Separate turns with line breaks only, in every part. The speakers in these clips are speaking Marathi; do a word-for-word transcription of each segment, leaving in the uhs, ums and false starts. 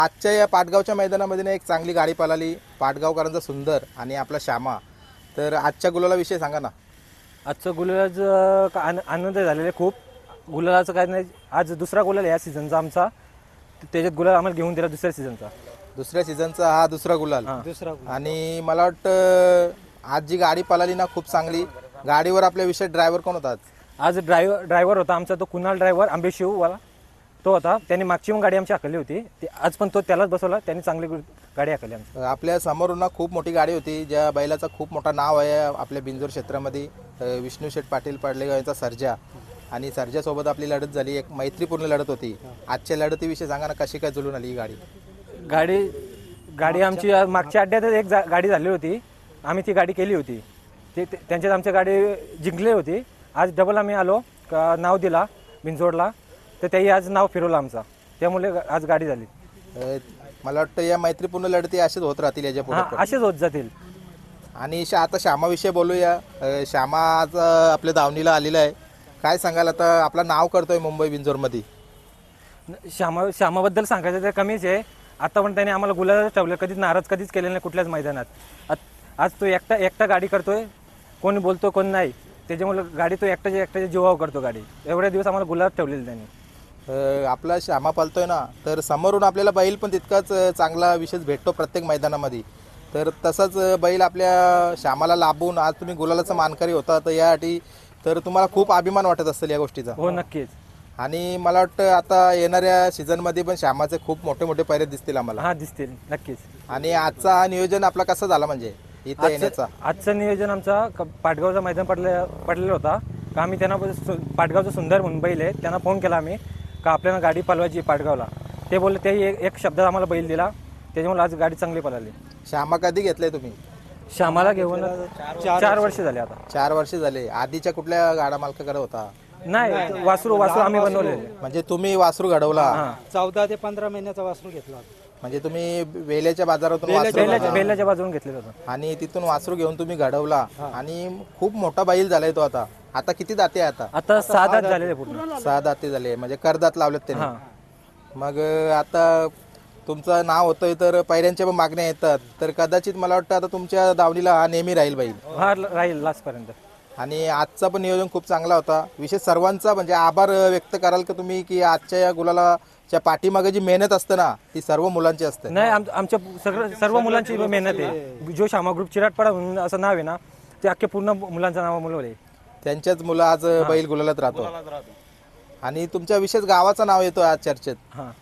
आजच्या या पाटगावच्या मैदानामध्ये ना एक चांगली गाडी पळाली, पाटगावकरांचा सुंदर आणि आपला श्यामा. तर आजच्या गुलाला विषय सांगा ना.
आजचं गुलालाचं आनंद झालेला आहे खूप. गुलालाचं काय नाही, आज दुसरा गुलाल या सीझनचा आमचा. त्याच्यात गुलाल आम्हाला घेऊन दिला दुसऱ्या सीझनचा.
दुसऱ्या सीझनचा हा दुसरा गुलाल.
दुसरा
आणि मला वाटतं आज जी गाडी पळाली ना खूप चांगली. गाडीवर आपल्या विषय ड्रायव्हर कोण होता?
आज ड्रायव्हर ड्रायव्हर होता आमचा तो कुणाल ड्रायव्हर आंबेशिववाला तो होता. त्यांनी मागची पण गाडी आमची हाकलली होती. ते आज पण तो त्यालाच बसवला. त्यांनी चांगली गाडी हाकली आमची.
आपल्या समोरून ना खूप मोठी गाडी होती, ज्या बैलाचा खूप मोठा नाव आहे आपल्या बिंजोर क्षेत्रामध्ये. विष्णू शेठ पाटील पाडलेगाव यांचा सर्जा. आणि सर्जासोबत आपली लढत झाली, एक मैत्रीपूर्ण लढत होती. आजच्या लढतीविषयी सांगा ना, कशी काय जुळून आली ही गाडी?
गाडी गाडी आमची मागच्या अड्ड्यातच एक गाडी झाली होती, आम्ही ती गाडी केली होती. ते त्यांच्यात आमची गाडी जिंकली होती. आज डबल आम्ही आलो का नाव दिला बिंजोडला, तर त्याही आज नाव फिरवलं आमचा, त्यामुळे आज गाडी झाली.
मला वाटतं या मैत्रीपूर्ण लढती असेच होत राहतील याच्या पुढे,
असेच होत जातील.
आणि आता श्यामाविषयी बोलूया. श्यामा आज आपल्या दावणीला आलेला आहे. काय सांगाल आता, आपलं नाव करतोय मुंबई बिंजोरमध्ये?
श्यामा श्यामाबद्दल सांगायचं तर कमीच आहे. आता पण त्याने आम्हाला गुलालच ठेवलं, कधीच नाराज कधीच केलेलं नाही कुठल्याच मैदानात. आज तो एकटा एकटा गाडी करतोय, कोणी बोलतो कोण नाही. त्याच्यामुळे गाडी तो एकट्याच्या एकट्याच्या जीवावर करतो गाडी. एवढ्या दिवस आम्हाला गुलाल ठेवलेलं त्यांनी.
आपला श्यामा पळतोय ना, तर समोरून आपल्याला बैल पण तितकाच चांगला विशेष भेटतो प्रत्येक मैदानामध्ये. तर तसंच बैल आपल्या श्यामाला लाभून आज तुम्ही गुलालाचा मानकरी होता, तर यासाठी तर तुम्हाला खूप अभिमान वाटत असेल या गोष्टीचा.
हो नक्कीच.
आणि मला वाटतं आता येणाऱ्या सीझनमध्ये पण श्यामाचे खूप मोठे मोठे पैरे दिसतील आम्हाला.
हा दिसतील नक्कीच.
आणि आजचा हा नियोजन आपला कसा झाला म्हणजे इथं येण्याचा?
आजचं नियोजन आमचा पाटगावचा मैदान पडले पडलेला होता का आम्ही त्यांना पाटगावचं सुंदर म्हणून बैल आहे, त्यांना फोन केला आम्ही का आपल्याला गाडी पळवायची पाटगावला. ते बोलले, ते एक शब्दात आम्हाला बैल दिला, त्याच्यामुळे आज गाडी चांगली पळाली.
श्यामा कधी घेतलंय तुम्ही?
श्यामाला घेऊन चार वर्ष झाले आता.
चार वर्ष झाले. आधीच्या कुठल्या गाडा मालकाकडे होता?
नाही, वासरू वासरू आम्ही बनवले.
म्हणजे तुम्ही वासरू घडवला?
चौदा ते पंधरा महिन्याचा वासरू घेतला.
म्हणजे तुम्ही वेल्याच्या बाजारातून
बेलाच्या बाजून घेतलेलं होतं
आणि तिथून वासरू घेऊन तुम्ही घडवला. आणि खूप मोठा बैल झालाय तो. आता आता किती दाते? आता
आता सहा दात झालेले पूर्ण.
सहा दाते झाले, म्हणजे करदात लावलेत त्यांनी. मग आता तुमचं नाव होतंय तर पैऱ्यांच्या पण मागण्या येतात, तर कदाचित मला वाटतं आता तुमच्या दावणीला हा नेहमी राहील बैल.
हा राहील लास्ट पर्यंत.
आणि आजचा पण नियोजन खूप चांगला होता. विशेष सर्वांचा म्हणजे आभार व्यक्त कराल का तुम्ही, की आजच्या या गुलालाच्या पाठीमागे जी मेहनत असते ना, ती सर्व मुलांची असते?
नाही, आमच्या सगळं सर्व मुलांची मेहनत आहे. जो श्यामा ग्रुप चिराटपाडा म्हणून असं नाव आहे ना, ते अख्खे पूर्ण मुलांचं नाव मुलं आहे.
त्यांच्याच मुलं आज बैल गुलालात राहतो. आणि तुमच्या विशेष गावाचं नाव येतो आज चर्चेत.
हा,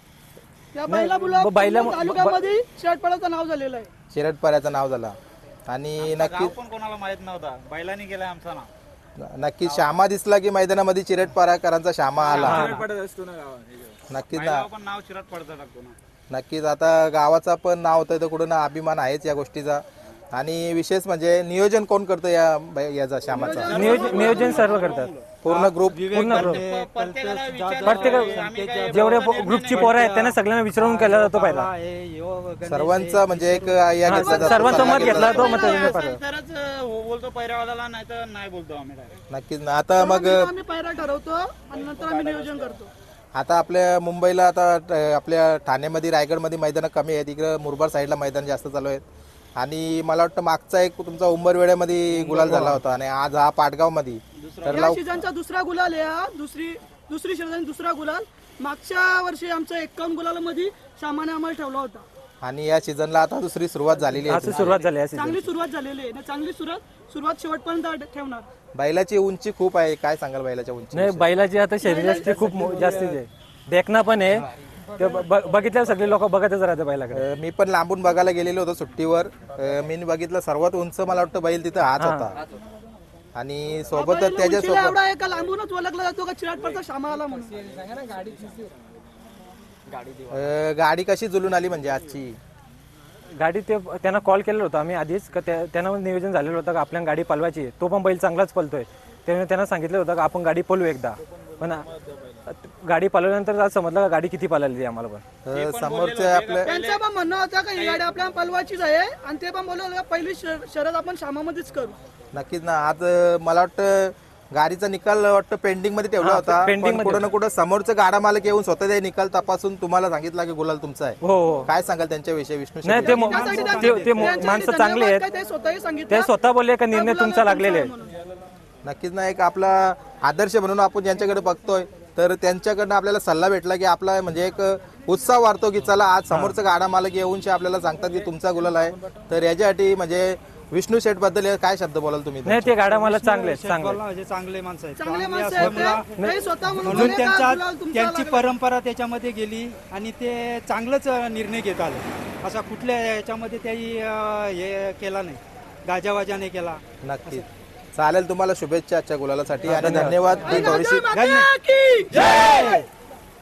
चिराटपाड्याचं नाव झालेलं आहे.
चिराटपाड्याचं नाव झाला. आणि नक्कीच
पण कोणाला माहित नव्हता, बैलांनी केलाय आमचा नाव.
नक्कीच श्यामा दिसला की मैदानामध्ये चिराटपाड्याकरांचा श्यामा आला. नक्कीच ना,
पण नाव चिराटपाड्याचं टाकतो ना.
नक्कीच आता गावाचा पण नाव होतं तर कुठं ना अभिमान आहेच या गोष्टीचा. आणि विशेष म्हणजे नियोजन कोण करतं या याचा श्यामाचा?
नियोजन नियोजन सर्व करतात,
पूर्ण ग्रुप.
पूर्ण ग्रुप प्रत्येक जेवढे ग्रुपची पोरं आहेत त्यांना सगळ्यांना विचारून केला जातो पहिला.
सर्वांचा म्हणजे एक या घेतला जातो.
सर्वांचा मत घेतला तो मत
तरच हो बोलतो पैरावाल्याला, नाही तर नाही बोलतो आम्ही.
नक्कीच ना. आता मग
आम्ही पैरा ठरवतो आणि नंतर आम्ही नियोजन करतो.
आता आपल्या मुंबईला आता आपल्या ठाण्यामध्ये रायगडमध्ये मैदानं कमी आहेत, इकडं मुरबाड साईडला मैदान जास्त चालू आहेत. आणि मला वाटतं मागचा एक तुमचा उंबरवेड्यामध्ये गुलाल झाला होता आणि आज हा पाटगावमध्ये. तर
या सीझनचा दुसरा गुलाल आहे हा. दुसरी दुसरी सीझन दुसरा गुलाल. मागच्या वर्षी आमच्या एक्कावन्न गुलालामध्ये सामान्य आम्हाला ठेवला होता.
आणि या सीझनला आता दुसरी सुरुवात झालेली आहे.
सुरुवात झाली
चांगली सुरुवात झालेली आहे. चांगली सुरुवात सुरुवात शेवटपर्यंत ठेवणार.
बैलाची उंची खूप आहे. काय सांगाल बैलाच्या उंची?
नाही, बैलाची आता शरीराची खूप जास्तीच आहे. देखना पण आहे. ते बघितल्या सगळे लोक बघतच राहते बैलाकडे.
मी पण लांबून बघायला गेलेलो होतो सुट्टीवर. मी बघितलं सर्वात उंच मला वाटतं बैल तिथं हाच होता. आणि सोबतच त्याच्यासोबत
एवढा एका लांबूनच ओळखला जातो का चिराटपाडचा श्यामा आला म्हणून.
गाडी कशी जुलून आली म्हणजे आजची
गाडी? ते त्यांना कॉल केलेला होता आम्ही आधीच का त्यांना नियोजन झालेलं होतं का आपल्याला गाडी पळवायची. तो पण बैल चांगलाच पळतोय, त्यामुळे त्यांना सांगितलं होतं का आपण गाडी पळवू एकदा. पण गाडी पळवल्यानंतर आज समजलं का गाडी किती पळाली आम्हाला. पण
समोरच्या आपल्या
त्यांचं पण म्हणणं होतं का ही गाडी आपल्याला पळवायचीच आहे आणि ते पण बोलवलं पहिली शर्यत आपण श्यामामध्येच करू.
नक्कीच ना. आज मला वाटतं गाडीचा निकाल वाटतं पेंडिंग मध्ये ठेवला
हा,
होता,
pending
पण
मध्ये.
कुठं ना कुठं समोरचं गाडा मालक येऊन स्वतः ते निकाल तपासून तुम्हाला सांगितला की गुलाल तुमचा आहे.
हो हो
काय सांगाल त्यांच्याविषयी विष्णू
नाही
शेट्टी?
ते मो-
त्यासाठी
ते-
त्यांचे-
ते मो-
त्यांच्यासाठी
माणसं चांगली
धन्यवाद
आहेत.
काय ते स्वतःही सांगितलं.
ते स्वतः बोलले का निर्णय
त्या
तुमचा
मुलाला
लागलेला आहे.
तुमचा आहे म्हणून.
नक्कीच ना एक आपला आदर्श म्हणून आपण ज्यांच्याकडे बघतोय तर त्यांच्याकडनं आपल्याला सल्ला भेटला की आपला म्हणजे एक उत्साह वाढतो की चला आज समोरचं गाडा मालक येऊन शे आपल्याला सांगतात की तुमचा गुलाल आहे. तर याच्यासाठी म्हणजे विष्णू शेठ बद्दल काय शब्द बोलाल तुम्ही?
नाही ते गाड्या मला चांगले आहेत, चांगले आहेत.
म्हणजे चांगले माणसं आहेत
चांगले
चांगले
माणसं आहेत
असल्यामुळं
ते. काही स्वतः म्हणून
म्हणून
बोलले का
त्यांचा
गुलाल तुमचा
त्यांची
लागला.
परंपरा त्याच्यामध्ये गेली आणि ते चांगलंच निर्णय घेत आले. असा कुठल्या याच्यामध्ये त्याही अं, हे केला नाही, गाजावाजाने केला.
नक्कीच चालेल. तुम्हाला शुभेच्छा आजच्या गुलालासाठी आणि धन्यवाद. ही थोडीशी
माता की जय.